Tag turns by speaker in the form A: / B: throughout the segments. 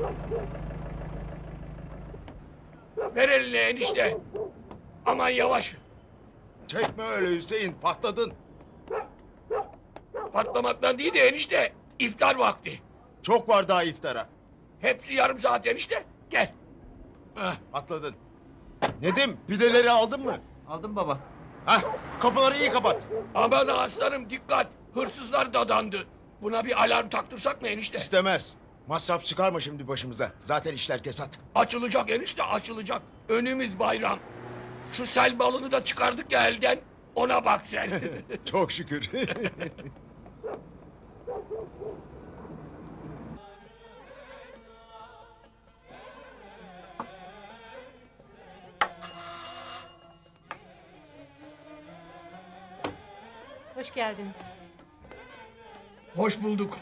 A: Ver eline enişte. Aman yavaş.
B: Çekme öyle Hüseyin, patladın.
A: Patlamaktan değil de enişte. İftar vakti.
B: Çok var daha iftara.
A: Hepsi yarım saat enişte. Gel.
B: Patladın. Nedim, pideleri aldın mı?
C: Aldım baba.
B: Hah, kapıları iyi kapat.
A: Aman aslanım dikkat. Hırsızlar dadandı. Buna bir alarm taktırsak mı enişte?
B: İstemez. Masraf çıkarma şimdi başımıza. Zaten işler kesat.
A: Açılacak enişte açılacak. Önümüz bayram. Şu sel balını da çıkardık ya elden. Ona bak sen.
B: Çok şükür.
D: Hoş geldiniz.
A: Hoş bulduk.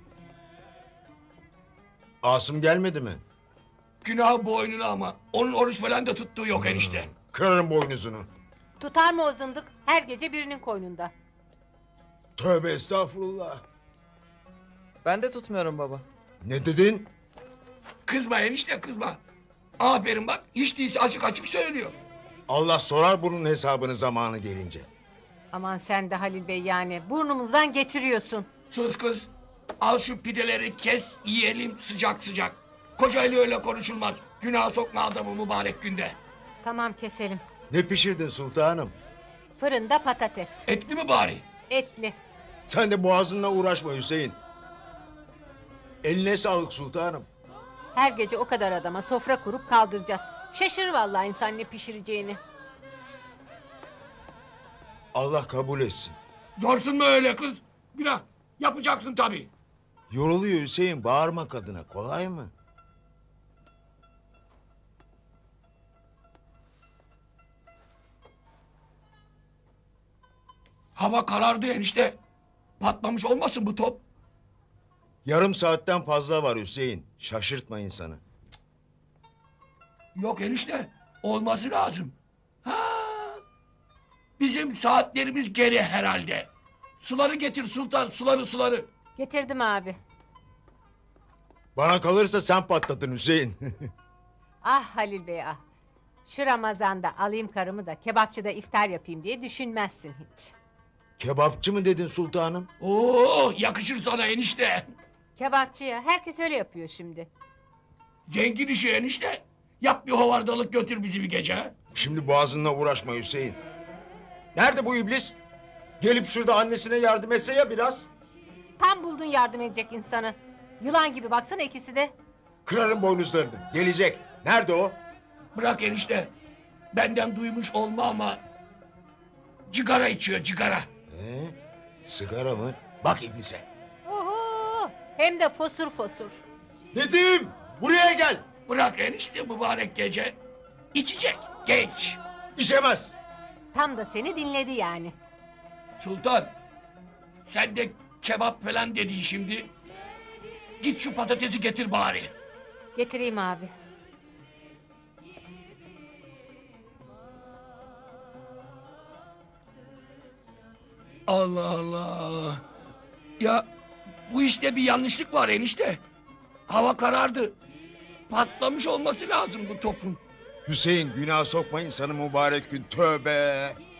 B: Asım gelmedi mi?
A: Günah boynuna ama. Onun oruç falan da tuttuğu yok enişte.
B: Kırarım boynuzunu.
D: Tutar mı o zındık? Her gece birinin koynunda.
B: Tövbe estağfurullah.
C: Ben de tutmuyorum baba.
B: Ne dedin?
A: Kızma enişte kızma. Aferin bak hiç değilse açık açık söylüyor.
B: Allah sorar bunun hesabını zamanı gelince.
D: Aman sen de Halil Bey yani. Burnumuzdan getiriyorsun.
A: Sus kız. Al şu pideleri kes yiyelim sıcak sıcak. Kocayla öyle konuşulmaz. Günah sokma adamı mübarek günde.
D: Tamam keselim.
B: Ne pişirdin sultanım?
D: Fırında patates.
A: Etli mi bari?
D: Etli.
B: Sen de boğazınla uğraşma Hüseyin. Eline sağlık sultanım.
D: Her gece o kadar adama sofra kurup kaldıracağız. Şaşır vallahi insan ne pişireceğini.
B: Allah kabul etsin.
A: Zorsun mu öyle kız? Günah. Yapacaksın tabii.
B: Yoruluyor Hüseyin, bağırma kadına. Kolay mı?
A: Hava karardı enişte. Patlamış olmasın bu top?
B: Yarım saatten fazla var Hüseyin. Şaşırtma insanı.
A: Yok enişte. Olması lazım. Ha. Bizim saatlerimiz geri herhalde. Suları getir sultan suları.
D: Getirdim abi.
B: Bana kalırsa sen patladın Hüseyin.
D: Ah Halil Bey ah. Şu Ramazan'da alayım karımı da kebapçıda iftar yapayım diye düşünmezsin hiç.
B: Kebapçı mı dedin sultanım?
A: Oo yakışır sana enişte.
D: Kebapçıya herkes öyle yapıyor şimdi.
A: Zengin işi enişte. Yap bir hovardalık götür bizi bir gece. Ha?
B: Şimdi boğazınla uğraşma Hüseyin. Nerede bu iblis? Gelip şurada annesine yardım etse ya biraz.
D: Tam buldun yardım edecek insanı. Yılan gibi baksana ikisi de.
B: Kırarım boynuzlarını. Gelecek. Nerede o?
A: Bırak enişte. Benden duymuş olma ama... Cigara içiyor cigara.
B: Sigara mı? Bak iblise.
D: Oho! Hem de fosur fosur.
B: Nedim! Buraya gel!
A: Bırak enişte mübarek gece. İçecek genç.
B: İçemez.
D: Tam da seni dinledi yani.
A: Sultan. Sen de kebap falan dedin şimdi. Git şu patatesi getir bari.
D: Getireyim abi.
A: Allah Allah. Ya bu işte bir yanlışlık var enişte. Hava karardı. Patlamış olması lazım bu topun.
B: Hüseyin günah sokma insanı mübarek gün. Tövbe.